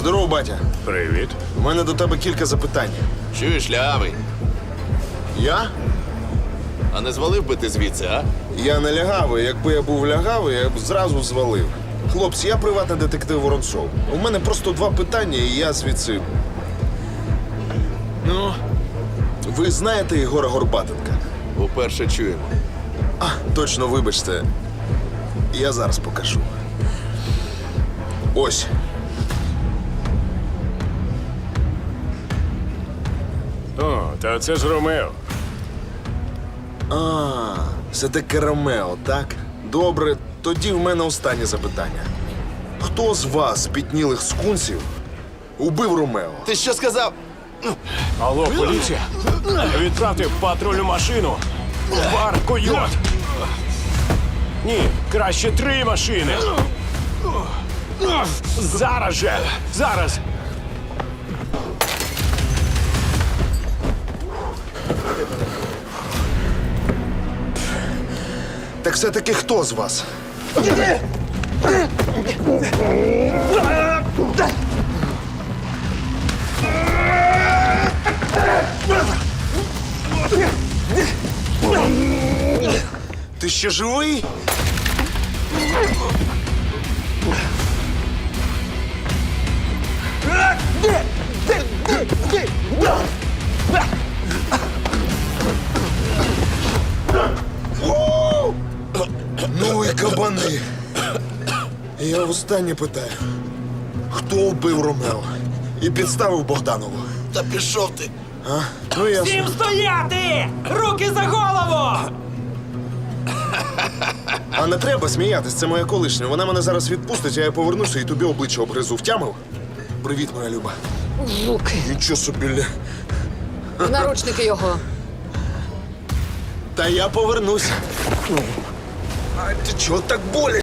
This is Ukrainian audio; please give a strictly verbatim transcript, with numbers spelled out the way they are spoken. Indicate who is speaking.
Speaker 1: Здорово, батя.
Speaker 2: Привіт.
Speaker 1: У мене до тебе кілька запитань.
Speaker 3: Чуєш, лявий?
Speaker 1: Я?
Speaker 3: А не звалив би ти звідси, а?
Speaker 1: Я не лягавий. Якби я був лягавий, я б зразу звалив. Хлопці, я приватний детектив Воронцов. У мене просто два питання, і я звідси. Ну, ви знаєте Єгора Горбатенка?
Speaker 3: Уперше чуємо.
Speaker 1: А, точно, вибачте. Я зараз покажу. Ось.
Speaker 2: О, та це ж Ромео.
Speaker 1: А, це таке Ромео, так? Добре, тоді в мене останнє запитання. Хто з вас, спітнілих скунсів, убив Ромео?
Speaker 3: Ти що сказав?
Speaker 2: Алло, поліція. Відправте патрульну машину. В бар Койот. Ні, краще три машини. Зараз же. Зараз.
Speaker 1: Так все-таки хто з вас? Ти ще живий? Ну і кабани. Я останнє питаю. Хто вбив Ромео і підставив Богданову?
Speaker 3: Та пішов ти.
Speaker 1: А? Ну ясно.
Speaker 4: Всім стояти! Руки за голову!
Speaker 1: А не треба сміятись, це моя колишня. Вона мене зараз відпустить, а я повернуся і тобі обличчя обгризу. Втямив? Привіт, моя Люба.
Speaker 5: Руки.
Speaker 1: Нічого собі. ля.
Speaker 5: В наручники його.
Speaker 1: Та я повернуся. А ти чого так болить?